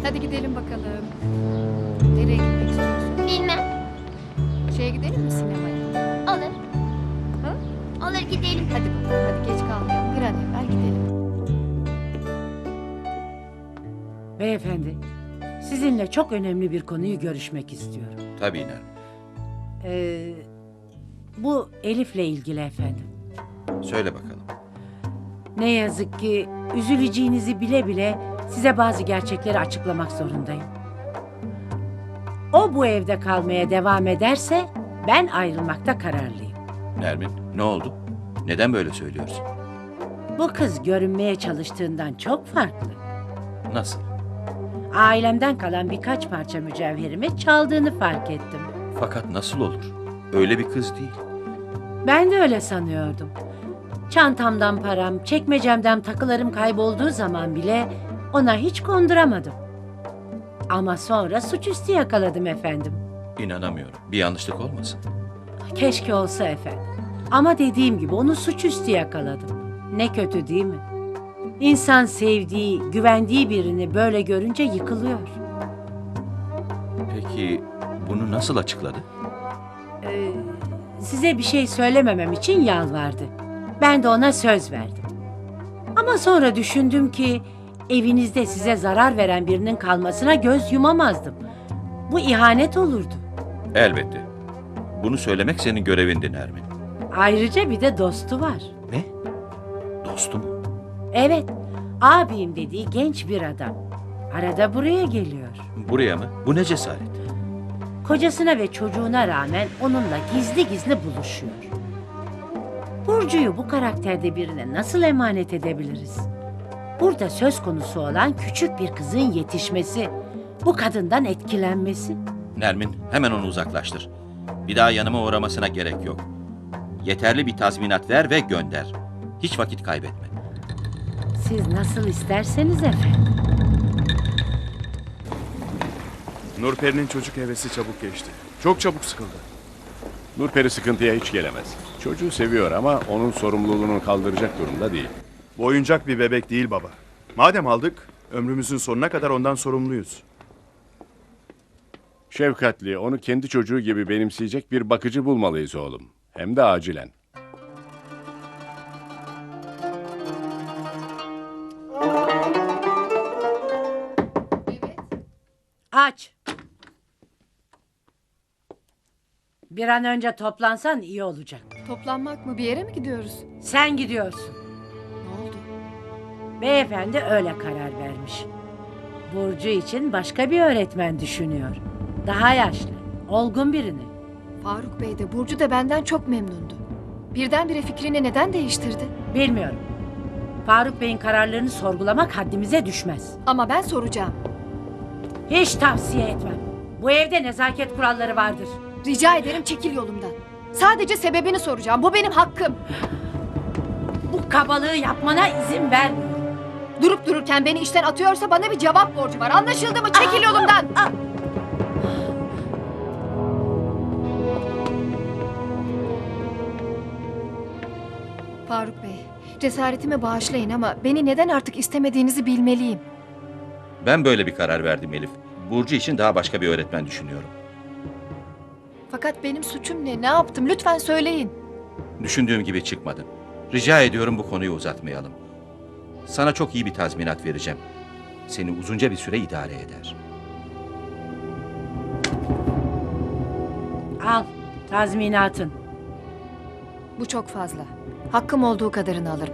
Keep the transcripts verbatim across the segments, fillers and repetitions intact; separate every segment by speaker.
Speaker 1: Hadi gidelim bakalım. Nereye gitmek istiyorsun?
Speaker 2: Bilmem.
Speaker 1: Şeye gidelim mi sinemaya?
Speaker 2: Olur.
Speaker 1: Ha?
Speaker 2: Olur gidelim.
Speaker 1: Hadi bakalım, hadi geç kalmayalım. Bir an evvel gidelim.
Speaker 3: Beyefendi, sizinle çok önemli bir konuyu görüşmek istiyorum.
Speaker 4: Tabii Nermin.
Speaker 3: Ee, bu Elif'le ilgili efendim.
Speaker 4: Söyle bakalım.
Speaker 3: Ne yazık ki üzüleceğinizi bile bile size bazı gerçekleri açıklamak zorundayım. O bu evde kalmaya devam ederse ben ayrılmakta kararlıyım.
Speaker 4: Nermin, ne oldu? Neden böyle söylüyorsun?
Speaker 3: Bu kız görünmeye çalıştığından çok farklı.
Speaker 4: Nasıl?
Speaker 3: Ailemden kalan birkaç parça mücevherimi çaldığını fark ettim.
Speaker 4: Fakat nasıl olur? Öyle bir kız değil.
Speaker 3: Ben de öyle sanıyordum. Çantamdan param, çekmecemden takılarım kaybolduğu zaman bile ona hiç konduramadım. Ama sonra suçüstü yakaladım efendim.
Speaker 4: İnanamıyorum. Bir yanlışlık olmasın?
Speaker 3: Keşke olsa efendim. Ama dediğim gibi onu suçüstü yakaladım. Ne kötü değil mi? İnsan sevdiği, güvendiği birini böyle görünce yıkılıyor.
Speaker 4: Peki bunu nasıl açıkladı?
Speaker 3: Ee, size bir şey söylememem için yalvardı. Ben de ona söz verdim. Ama sonra düşündüm ki evinizde size zarar veren birinin kalmasına göz yumamazdım. Bu ihanet olurdu.
Speaker 4: Elbette. Bunu söylemek senin görevindi Nermin.
Speaker 3: Ayrıca bir de dostu var.
Speaker 4: Ne? Dostum.
Speaker 3: Evet, abim dediği genç bir adam. Arada buraya geliyor.
Speaker 4: Buraya mı? Bu ne cesaret?
Speaker 3: Kocasına ve çocuğuna rağmen onunla gizli gizli buluşuyor. Burcu'yu bu karakterde birine nasıl emanet edebiliriz? Burada söz konusu olan küçük bir kızın yetişmesi, bu kadından etkilenmesi.
Speaker 4: Nermin, hemen onu uzaklaştır. Bir daha yanıma uğramasına gerek yok. Yeterli bir tazminat ver ve gönder. Hiç vakit kaybetme.
Speaker 3: Siz nasıl isterseniz efendim.
Speaker 5: Nurperi'nin çocuk hevesi çabuk geçti. Çok çabuk sıkıldı.
Speaker 6: Nurperi sıkıntıya hiç gelemez. Çocuğu seviyor ama onun sorumluluğunu kaldıracak durumda değil.
Speaker 5: Bu oyuncak bir bebek değil baba. Madem aldık, ömrümüzün sonuna kadar ondan sorumluyuz.
Speaker 6: Şefkatli, onu kendi çocuğu gibi benimseyecek bir bakıcı bulmalıyız oğlum. Hem de acilen.
Speaker 3: Aç. Bir an önce toplansan iyi olacak.
Speaker 1: Toplanmak mı? Bir yere mi gidiyoruz?
Speaker 3: Sen gidiyorsun.
Speaker 1: Ne oldu?
Speaker 3: Beyefendi öyle karar vermiş. Burcu için başka bir öğretmen düşünüyor. Daha yaşlı, olgun birini.
Speaker 1: Faruk Bey de Burcu da benden çok memnundu. Birdenbire fikrini neden değiştirdi?
Speaker 3: Bilmiyorum. Faruk Bey'in kararlarını sorgulamak haddimize düşmez.
Speaker 1: Ama ben soracağım.
Speaker 3: Hiç tavsiye etmem. Bu evde nezaket kuralları vardır.
Speaker 1: Rica ederim çekil yolumdan. Sadece sebebini soracağım. Bu benim hakkım.
Speaker 3: Bu kabalığı yapmana izin vermiyorum.
Speaker 1: Durup dururken beni işten atıyorsa bana bir cevap borcu var. Anlaşıldı mı? Çekil yolumdan. Faruk Bey, cesaretimi bağışlayın ama beni neden artık istemediğinizi bilmeliyim.
Speaker 4: Ben böyle bir karar verdim Elif. Burcu için daha başka bir öğretmen düşünüyorum.
Speaker 1: Fakat benim suçum ne? Ne yaptım? Lütfen söyleyin.
Speaker 4: Düşündüğüm gibi çıkmadı. Rica ediyorum bu konuyu uzatmayalım. Sana çok iyi bir tazminat vereceğim. Seni uzunca bir süre idare eder.
Speaker 3: Al, tazminatın.
Speaker 1: Bu çok fazla. Hakkım olduğu kadarını alırım.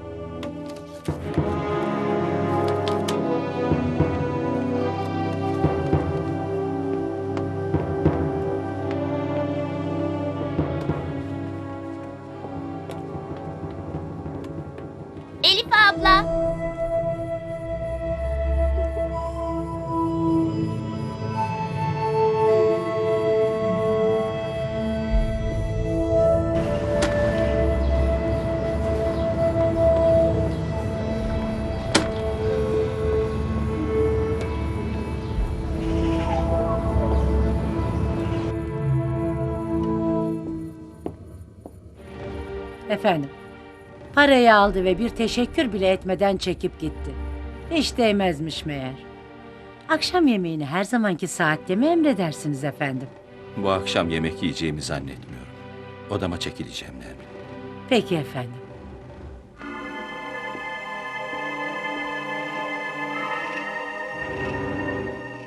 Speaker 2: Elif abla.
Speaker 3: Efendim, parayı aldı ve bir teşekkür bile etmeden çekip gitti. Hiç değmezmiş meğer. Akşam yemeğini her zamanki saatte mi emredersiniz efendim?
Speaker 4: Bu akşam yemek yiyeceğimi zannetmiyorum. Odama çekileceğim Nermin.
Speaker 3: Peki efendim.